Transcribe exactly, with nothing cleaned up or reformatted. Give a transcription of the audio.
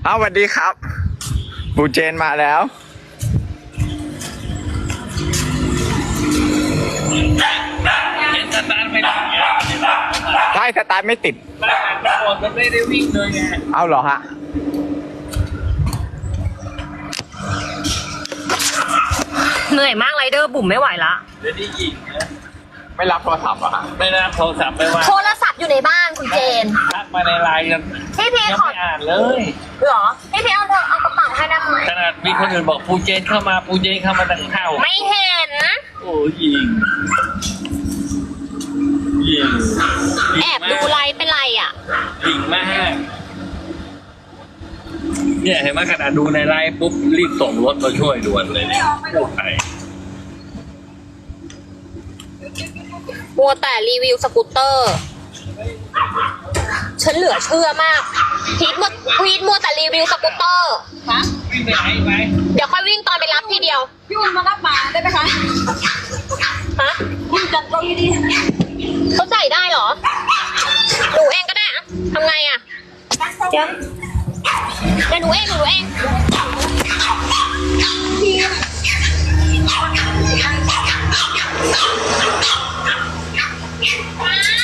เอาสวัสดีครับปูเจนมาแล้วเห็นสตาร์ทไม่ติดใช่สตาร์ทไม่ติดบ้านอ่านมันไม่ได้วิ่งเลยไงเอาเหรอฮะเหนื่อยมากไรเดอร์บุ๋มไม่ไหวละเดี๋ยวนี้ยิงนะไม่รับโทรศัพท์เหรอฮะไม่รับโทรศัพท์ไปว่าโทรศัพท์อยู่ในบ้านคุณเจนทักมาในไลน์ยังพี่พียังขอไม่อ่านเลยเหรอพี่พีเอาเธอเอากระเป๋าให้ได้ไหมขนาดมีคนอื่นบอกปูเจนเข้ามาปูเจนเข้ามาตั้งเข้าไม่เห็นโอ้ยิงยิงแอบดูไลฟ์เป็นไรอ่ะยิงมากเนี่ยเห็นไหมขนาดดูในไลน์ปุ๊บรีบส่งรถมาช่วยด่วนเลยเนี่ยกู้ภัยมัวแต่รีวิวสกูตเตอร์ ฉันเหลือเชื่อมาก พีทมัวพีทมัวแต่รีวิวสกูตเตอร์คะวิ่งไปไหนไหมเดี๋ยวค่อยวิ่งตอนไปรับทีเดียวพี่อุ่นมารับหมาได้ไหมคะฮะพี่จัดเราดีเขาใส่ได้เหรอ หนูเองก็ได้อะทำไงอะเดี๋ยวเดี๋ยวหนูเองหนูเองๆ